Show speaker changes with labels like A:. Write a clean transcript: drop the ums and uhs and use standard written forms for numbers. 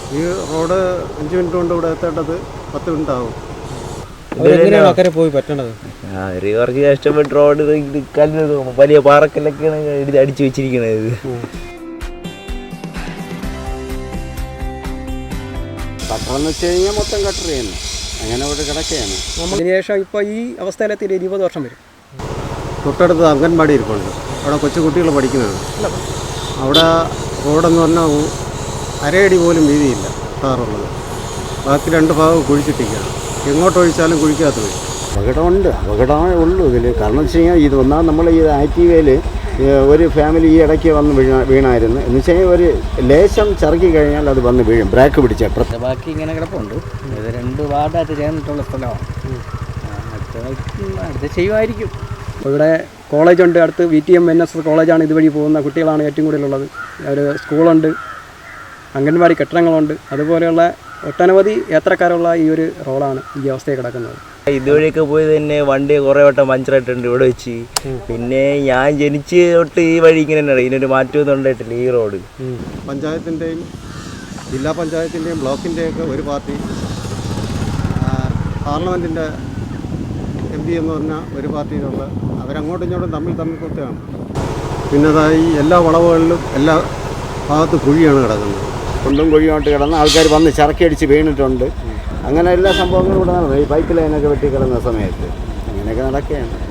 A: ഈ road 5 minute കൊണ്ട് ഇവിടെ എത്തേണ്ടത് 10 മിനിറ്റ് ആവും.
B: അക്കരെ പോയി പറ്റണത്
C: കുറച്ച് കഷ്ടപ്പെട്ട് റോഡ് കല്ല് വലിയ പാറക്കല്ലൊക്കെയാണ് അടിച്ചു വെച്ചിരിക്കണത്.
A: കട്ടറെന്ന് വെച്ച് കഴിഞ്ഞാൽ മൊത്തം കട്ടർ ചെയ്യുന്നു, അങ്ങനെ ഇവിടെ കിടക്കുകയാണ്.
B: അതിനുശേഷം ഇപ്പോൾ ഈ അവസ്ഥയിലെത്തി 20 വർഷം വരും.
A: തൊട്ടടുത്ത് അംഗൻവാടി ഇരിപ്പുണ്ട്, അവിടെ കൊച്ചു കുട്ടികൾ പഠിക്കുന്നതാണ്. അവിടെ റോഡെന്ന് പറഞ്ഞാൽ അരയടി പോലും വീതിയില്ല ടാറുള്ളത്. ബാക്കി 2 ഭാഗം കുഴിച്ചിട്ടിരിക്കുകയാണ്. എങ്ങോട്ടൊഴിച്ചാലും കുഴിക്കാത്ത വരും. അപകടമേ ഉള്ളൂ ഇതിൽ. കാരണം വെച്ച് കഴിഞ്ഞാൽ ഇത് ഒന്നാം നമ്മൾ ഈ ആക്റ്റീവയിൽ ഒരു ഫാമിലി ഈ ഇടയ്ക്ക് വന്ന് വീണായിരുന്നു. എന്ന് വെച്ച് കഴിഞ്ഞാൽ ഒരു ലേശം ചറുക്കി കഴിഞ്ഞാൽ അത് വന്ന് വീഴും, ബ്രേക്ക് പിടിച്ച.
D: ബാക്കി ഇങ്ങനെ കിടപ്പുണ്ട്. ഇത് 2 വാർഡായിട്ട് ചേർന്നിട്ടുള്ള സ്ഥലമാണ്. അടുത്ത് ചെയ്യുമായിരിക്കും.
B: അപ്പോൾ ഇവിടെ കോളേജുണ്ട്, അടുത്ത് VTM NSS കോളേജാണ്. ഇതുവഴി പോകുന്ന കുട്ടികളാണ് ഏറ്റവും കൂടുതലുള്ളത്. ഒരു സ്കൂളുണ്ട്, അംഗൻവാടി കെട്ടിടങ്ങളുണ്ട്. അതുപോലെയുള്ള ഒട്ടനവധി യാത്രക്കാരുള്ള ഈ ഒരു റോഡാണ് ഈ അവസ്ഥയിൽ കിടക്കുന്നത്.
C: ഇതുവഴിയൊക്കെ പോയി തന്നെ വണ്ടി കുറേ വട്ടം പഞ്ചറായിട്ടുണ്ട് ഇവിടെ വെച്ച്. പിന്നെ ഞാൻ ജനിച്ച് തൊട്ട് ഈ വഴി ഇങ്ങനെ തന്നെ, ഇതിനൊരു മാറ്റമൊന്നും ഉണ്ടായിട്ടില്ല ഈ റോഡ്.
A: പഞ്ചായത്തിൻ്റെയും ജില്ലാ പഞ്ചായത്തിൻ്റെയും ബ്ലോക്കിൻ്റെയൊക്കെ ഒരു പാർട്ടി, പാർലമെൻറ്റിൻ്റെ MP എന്ന് പറഞ്ഞാൽ ഒരു പാർട്ടിയിലുള്ള അവരങ്ങോട്ടും ഇങ്ങോട്ടും തമ്മിൽ കുത്തുകയാണ്. പിന്നെ ഈ എല്ലാ വളവുകളിലും എല്ലാ ഭാഗത്തും കുഴിയാണ് കിടക്കുന്നത്. കുണ്ടും കുഴിയോട്ട് കിടന്ന് ആൾക്കാർ വന്ന് ചറക്കി അടിച്ച് വീണിട്ടുണ്ട്. അങ്ങനെ എല്ലാ സംഭവങ്ങളും ഇവിടെ നടന്നു. ഈ പൈപ്പ് ലൈനൊക്കെ വെട്ടി കിടന്ന സമയത്ത് അങ്ങനെയൊക്കെ നടക്കുകയാണ്.